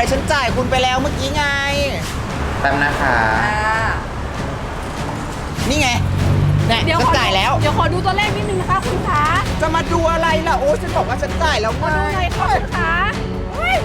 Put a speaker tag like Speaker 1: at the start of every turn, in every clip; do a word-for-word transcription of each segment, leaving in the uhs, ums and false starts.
Speaker 1: เลยฉันจ่ายคุณไปแล้วเมื่อกี้ไงแป๊บนะคะนี่ไงเนี่ย
Speaker 2: เดี๋ยว
Speaker 1: ฉัน
Speaker 2: ขอ
Speaker 1: จ่ายแล้ว
Speaker 2: เดี๋ยวขอดูตัวเลขนิดนึงนะคะคุณคะ
Speaker 1: จะมาดูอะไรล่ะโอ้ฉันบอกว่าฉันจ่ายแล้ว
Speaker 2: ขอ
Speaker 1: ไง
Speaker 2: ดูหน่อยค่ะคุณคะเฮ้ย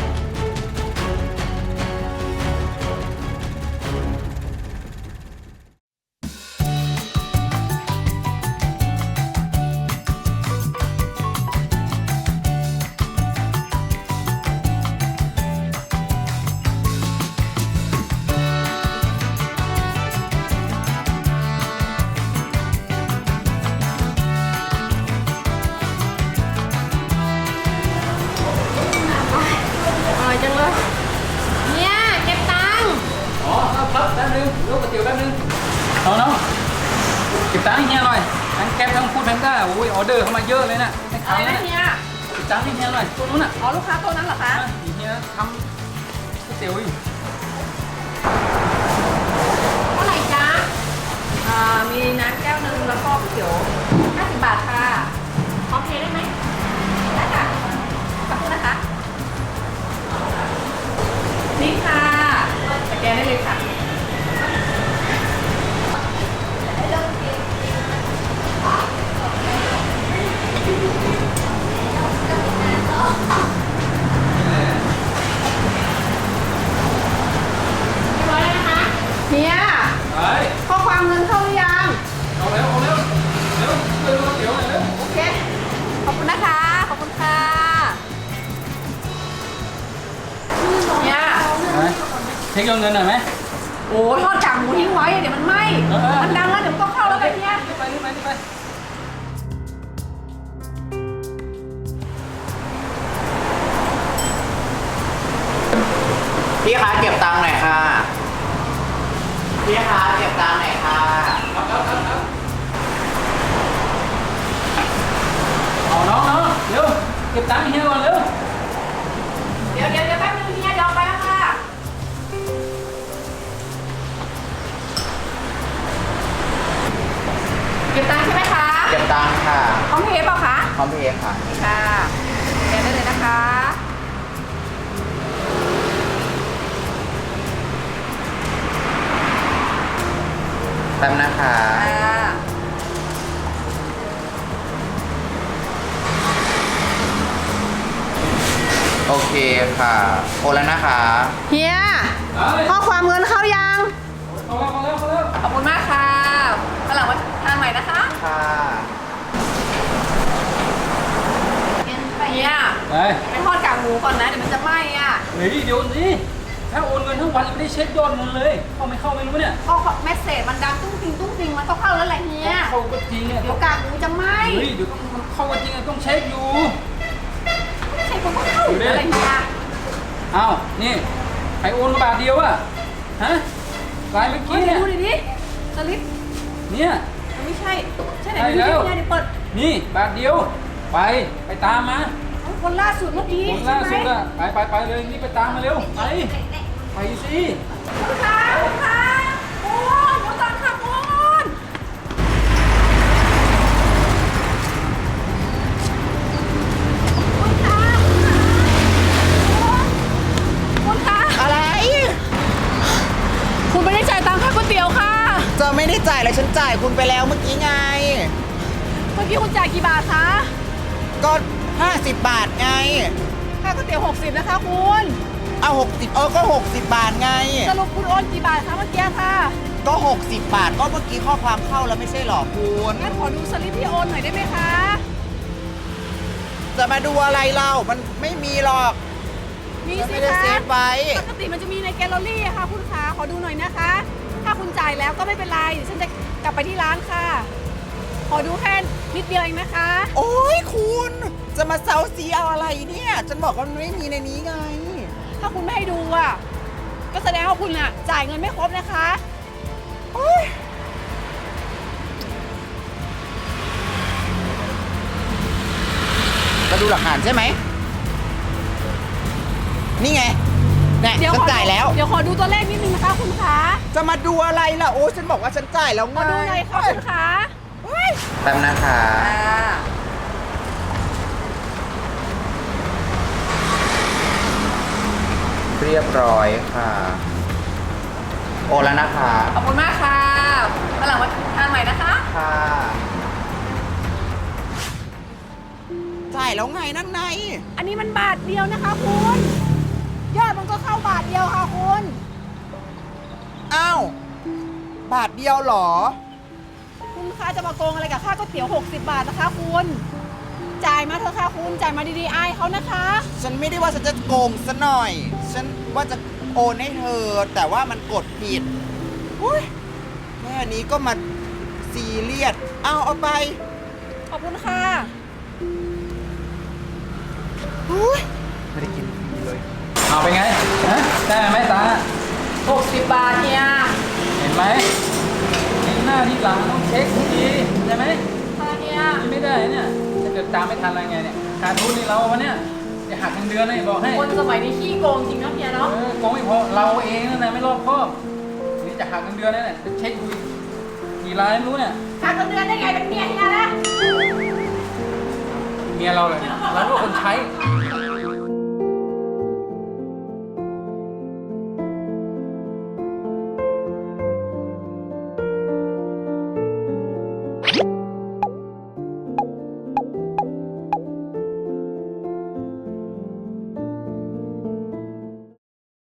Speaker 2: อร่อยจังเลยเนี่ยเก็บตังค์
Speaker 3: อ๋อครับครับแป๊บนึงลูกก๋วยเตี๋ยวแป๊บนึงน้องน้องเก็บตังค์ให้เฮียหน่อยทั้งแก๊ปทั้งฟู้ดแพนด้าโอ้ยออเดอร์เข้ามาเยอะเลยน่ะให้
Speaker 2: อะ
Speaker 3: ขาย
Speaker 2: ไร
Speaker 3: นะ
Speaker 2: นะเฮีย
Speaker 3: เก็บตังค์ให้เฮียหน่อยตัวนู้นน่ะ
Speaker 2: อ๋อลูกค้าตัวนั้นเหรอคะ
Speaker 3: อ่ะเฮียทำก๋วยเตี๋ยวอยู่
Speaker 2: เท่าไหร่จ๊ะอ่ามีน้ำแก้วนึงแล้วก็ก๋วยเตี๋ยวห้าสิบบาทค่ะพร้อมเพย์ได้ไหมได้ค่ะขอบคุณนะคะนี่ค่ะสแกนได้เลยค่ะเฮีย
Speaker 3: ไป
Speaker 2: ข้อความเงินเข้าหรือยัง
Speaker 3: เอาเร็วเอาเร็วเร็วช่วยดูก๋วยเตี๋ยวหน่อยเร็ว
Speaker 2: โอเค ขอบคุณนะคะ ขอบคุณค่ะเนี่ย
Speaker 3: ไปเช็คยอดเงินหน่อยไหม
Speaker 2: โอ้ทอดกากหมูทิ้งไว้ เดี๋ยวมันไหม้
Speaker 3: เออเออ
Speaker 2: มันดังแล้วเดี๋ยวมันต้องเข้าแล้วกันเนี่ย
Speaker 3: รีบไปรีบไปรีบไป
Speaker 1: พี่คะเก็บตังค์หน่อยค่ะพี่คะเก็บตังค์หน่อยค่ะ
Speaker 3: ครับครับครับครับเอาน้องน้องเร็วเก็บตังค์ให้เฮียก่อนเร็ว
Speaker 2: เดี๋ยวเดี๋ยวเดี๋ยวแป๊บนึงเฮียเดี๋ยวเอาไปแล้วค่ะ เก็บตังค์ใช่ไหมคะ
Speaker 1: เก็บตังค์ค่ะ
Speaker 2: พร้อมเพย์เปล่าคะ
Speaker 1: พร้อมเพย์ค่ะ
Speaker 2: นี่ค่ะแกนได้เลยนะคะ
Speaker 1: แป๊บนะคะ
Speaker 2: อ่า
Speaker 1: โอเคค่ะโอนแล้วนะคะ
Speaker 2: เฮีย
Speaker 3: ไป
Speaker 2: ข้อความเงินเข้ายัง
Speaker 3: เอาแล้วเอาแล้วเอาแล้ว
Speaker 2: ขอบคุณมากค่ะฝรั่งมาทานใหม่นะคะ
Speaker 1: ค่ะ
Speaker 2: เฮีย
Speaker 3: ไป
Speaker 2: ไปทอดกากหมูก่อนนะเดี๋ยวมันจะไหม้อ่ะ
Speaker 3: เฮ้ยเดี๋ยวสิถ้าโอนเงินทั้งวันยังไม่ได้เช็คยอดเงินเลย เข้าไม่เข้าไม่รู้เนี่ย
Speaker 2: ก็เมสเซจมันดังตุ้งติงตุ้งติงมันต้องเข้าแล้วแหละเฮีย
Speaker 3: เข้าก็จริงอ่ะ
Speaker 2: เดี๋ยวกากหมูจะไหม้
Speaker 3: เฮ้ยเดี๋ยวมันเข้าก็จริงอ่ะต้องเช็คอยู่
Speaker 2: ไม่ใช่คนก็เข้าอยู่แล้วอะไรเฮีย
Speaker 3: อ้าวนี่ใครโอนมาบาทเดียวอ่ะฮะรายเมื่อ
Speaker 2: เฮ้
Speaker 3: กี้
Speaker 2: ย
Speaker 3: เนี่ย
Speaker 2: ดูดิดิสลิป
Speaker 3: เนี่ย
Speaker 2: มันไม่ใช่ใช่ไหน
Speaker 3: ใช่
Speaker 2: ดู
Speaker 3: แล้
Speaker 2: ดิ
Speaker 3: ว
Speaker 2: เฮียเดี๋ยวเปิด
Speaker 3: นี่บาทเดียว ไปไปตามมา
Speaker 2: เอาคนล่าสุดเมื่อกี้
Speaker 3: คน
Speaker 2: ใช่
Speaker 3: ล่า
Speaker 2: ไหม
Speaker 3: สุดอ่ะไปไปไปเลยนี่ไปตามมาเร็วไปไปสิ
Speaker 2: คุณคะคุณคะโอนเดี๋ยวก่อนค่ะโอนคุณคะคุณคะ
Speaker 1: อะไร
Speaker 2: คุณไม่ได้จ่ายตังค่าก๋วยเตี๋ยวค่ะ
Speaker 1: จะไม่ได้จ่ายเลยฉันจ่ายคุณไปแล้วเมื่อกี้ไง
Speaker 2: เมื่อกี้คุณจ่ายกี่บาทคะ
Speaker 1: ก็ห้าสิบบาทไง
Speaker 2: ค่าก๋วยเตี๋ยวหกสิบนะคะคุณ
Speaker 1: เอาหกสิบเออก็หกสิบบาทไง
Speaker 2: สรุปคุณโอนกี่บาทคะเมื่อกี้ค่ะ
Speaker 1: ก็หกสิบบาทก็เมื่อกี้ข้อความเข้าแล้วไม่ใช่หรอคุณ
Speaker 2: งั้นขอดูสลิปที่โอนหน่อยได้ไหมคะ
Speaker 1: จะมาดูอะไรเรามันไม่มีหรอก
Speaker 2: มี
Speaker 1: ฉัน
Speaker 2: สิ
Speaker 1: ไม่ได้
Speaker 2: คะ
Speaker 1: เซฟไว้
Speaker 2: ปกติมันจะมีในแกลเลอรี่อะค่ะคุณคะขอดูหน่อยนะคะ ถ้าคุณจ่ายแล้วก็ไม่เป็นไรเดี๋ยวฉันจะกลับไปที่ร้านค่ะ ขอดูแค่นิดเดียวเองนะคะ
Speaker 1: โอ้ยคุณจะมาเซาซีเอาอะไรเนี่ยฉันบอกว่ามันไม่มีในนี้ไง
Speaker 2: ถ้าคุณไม่ให้ดูอ่ะ ก็แสดงว่าคุณอ่ะจ่ายเงินไม่ครบนะคะ
Speaker 1: โอ้ยมาดูหลักฐานใช่ไหมนี่ไงเนี่ย
Speaker 2: เดี๋ยว
Speaker 1: ฉั
Speaker 2: ข
Speaker 1: น
Speaker 2: อ
Speaker 1: จ่ายแล้ว
Speaker 2: เดี๋ยวขอดูตัวเลขนิดนึงนะคะคุณคะ
Speaker 1: จะมาดูอะไรล่ะโอ้ฉันบอกว่าฉันจ่ายแล้ว
Speaker 2: ข
Speaker 1: ไง
Speaker 2: อดูหน่อยค่ะคุณคะ
Speaker 1: แป๊บนะคะเรียบร้อยค่ะ โอนแล้วนะคะ
Speaker 2: ขอบคุณมากค่ะวันหลังมาทานใหม่นะคะ
Speaker 1: ค่ะ
Speaker 4: จ่ายแล้วไงนั่นไง
Speaker 2: อันนี้มันบาทเดียวนะคะคุณยอดมันก็เข้าบาทเดียวค่ะคุณ
Speaker 4: อ้าว บาทเดียวเหรอ
Speaker 2: คุณคะจะมาโกงอะไรกับค่าก๋วยเตี๋ยวหกสิบบาทนะคะคุณจ่ายมาเถอะค่ะคุณจ่ายมาดีๆอายเขานะคะ
Speaker 4: ฉันไม่ได้ว่าฉันจะโกงซะหน่อย ฉันว่าจะโอนให้เธอ แต่ว่ามันกดผิดอุ๊ยแค่นี้ก็มาซีเรียสเอาเอาไป
Speaker 2: ขอบคุณค่ะ
Speaker 4: อุ๊ย
Speaker 1: ไม่ได้กินเลย
Speaker 3: เอาไปไงฮะได้ไหมตา
Speaker 2: หกสิบบาทเนี่ย
Speaker 3: เห็นไหมเห็นหน้าที่หลังต้องเช็คดีใช่ไหม
Speaker 2: ค่ะเนี่ย
Speaker 3: นี่ไม่ได้เนี่ยถ้าเกิดตามไม่ทันอะไรไงเนี่ยขาดทุนนี่เราวะเนี่ยจะหักเงินเดือนเลยบอกให้
Speaker 2: คนสมัยนี้ขี้โกงจริงนะเฮีย
Speaker 3: เอ
Speaker 2: เนาะ
Speaker 3: อโกงไม่พอเราเองนั่นนะไม่รอบคอบนี่จะหักเงินเดือนนั่นแหละไปเช็คดูอีกกี่รายไม่รู้เนี่ย
Speaker 2: ขาดเงินเดือนได้ไงเป็นเมียเฮียนะ
Speaker 3: เมียเราเลยเราก็คนใช้
Speaker 2: เ